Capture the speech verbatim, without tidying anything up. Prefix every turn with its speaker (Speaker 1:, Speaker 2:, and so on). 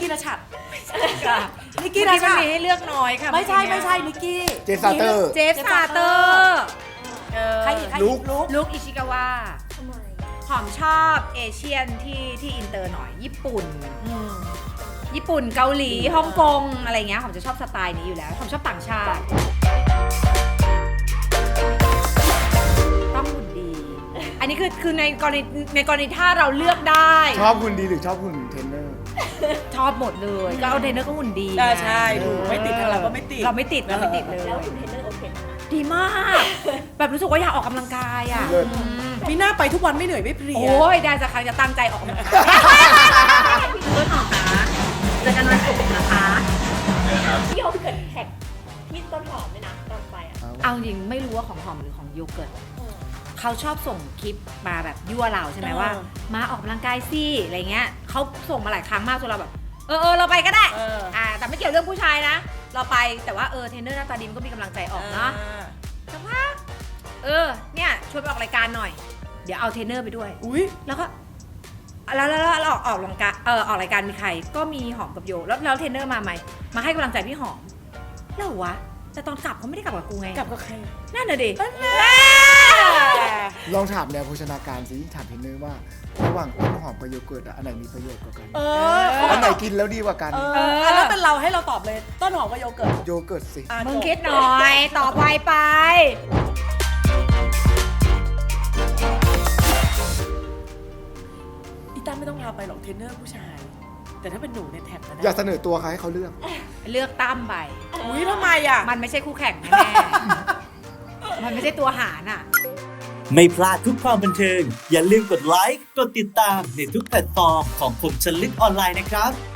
Speaker 1: กี้นัชชัด
Speaker 2: ค่ะ
Speaker 1: นิกกี้นัชชัด
Speaker 2: มีให้เลือกน้อยค่ะ
Speaker 1: ไม่ใช่ไม่ใช่นิกกี้
Speaker 3: เจฟซาเตอร์
Speaker 2: เจฟซาเตอร์เออ
Speaker 1: ใครอีกใคร
Speaker 3: ลุ
Speaker 1: อี
Speaker 3: ค
Speaker 1: กลุก
Speaker 2: ลุคอิชิกาวะ
Speaker 4: ทำไม
Speaker 2: หอมชอบเอเชียนที่ที่อินเตอร์หน่อย ญี่ปุ่น ญี่ปุ่นเกาหลีฮ่องกงอะไรเงี้ยหอมจะชอบสไตล์นี้อยู่แล้วหอมชอบต่างชาติ ต้องหุ่นดี อันนี้คือคือในกรณีในกรณีถ้าเราเลือกได้
Speaker 3: ชอบหุ่นดีหรือชอบหุ่นเทรนเนอร์
Speaker 2: ชอบหมดเลย ก็เอาเทรนเนอร์ก็หุ่นดี
Speaker 1: อ่าใช่ถูก
Speaker 2: เออ
Speaker 1: ไม่ติดทางเราก็ไม่ติด
Speaker 2: เราไม่ติดเราไม่ติดเลย
Speaker 4: แล้วคุณเทรนเนอร์โอเคไหม
Speaker 2: ดีมาก แบบรู้สึกว่าอยากออกกำลังกายอ่ะ
Speaker 3: เลิศ
Speaker 2: อืม
Speaker 1: มีหน้าไปทุกวันไม่เหนื่อยไม่เพลีย
Speaker 2: โอ้ยได้สักครั้งจะตั้งใจออกกำลังกายต้นหอมนะเจอกันวันศุกร์นะคะ
Speaker 4: พี่โยเกิดแท็กพี่ต้นหอมไหมนะตอนไปอ่ะ
Speaker 2: เอาจริงไม่รู้ว่าของหอมหรือของโยเกิร์ตเขาชอบส่งคลิปมาแบบยั่วเราใช่ไหมว่า มาออกกำลังกายสิอะไรเงี้ยเขาส่งมาหลายครั้งมากจนเราแบบเออเออเราไปก็ได้
Speaker 1: เออ
Speaker 2: อ่าแต่ไม่เกี่ยวเรื่องผู้ชายนะ เราไปแต่ว่าเออเทรนเนอร์หน้าตาดีมันก็มีกำลังใจออกเนาะแต่ว่าเออเนี่ยชวนไปออกรายการหน่อย เดี๋ยวเอาเทรนเนอร์ไปด้วย
Speaker 1: อุ้ย
Speaker 2: แล้วก็แล้วแล้วแล้วเราออกออกรายการเออออกรายการมีใครก็มีหอมกับโยแล้วแล้วเทรนเนอร์มาไหมมาให้กำลังใจพี่หอมแล้ววะแต่ตอนกลับเขาไม่ได้กลับกับกูไง
Speaker 1: กลับกับใคร
Speaker 2: นั่นน่ะดิ
Speaker 3: ลองถามแนวโภชนาการสิถามเทรนเนอร์ว่า ระหว่างต้นหอมกับโยเกิร์ตอะอันไหนมีประโยชน์กว่ากัน
Speaker 1: เออ
Speaker 3: อันไหนกินแล้วดีกว่ากัน
Speaker 1: เอออ่ะแล้วเป็นเราให้เราตอบเลยต้นหอมกับโยเกิร์ต
Speaker 3: โยเกิร์ตสิ
Speaker 1: อ่ะ
Speaker 2: มึง
Speaker 1: จบ
Speaker 2: คิดหน่อย ตอบไวไป
Speaker 1: อีตั้มไม่ต้องพาไปหรอกเทรนเนอร์ผู้ชาย แต่ถ้าเป็นหนูเนี่ยแท็กมาได้
Speaker 3: อย่าเสนอตัวค่ะให้เขาเลือก
Speaker 2: เลือกตั้มไป
Speaker 1: อุ้ยทำไมอ่ะ
Speaker 2: มันไม่ใช่คู่แข่งแน่ๆ มันไม่ใช่ตัวหารอ่ะ
Speaker 5: ไม่พลาดทุกความบันเทิง อย่าลืมกดไลค์ กดติดตามในทุกแพลตฟอร์มของคมชนลึกออนไลน์นะครับ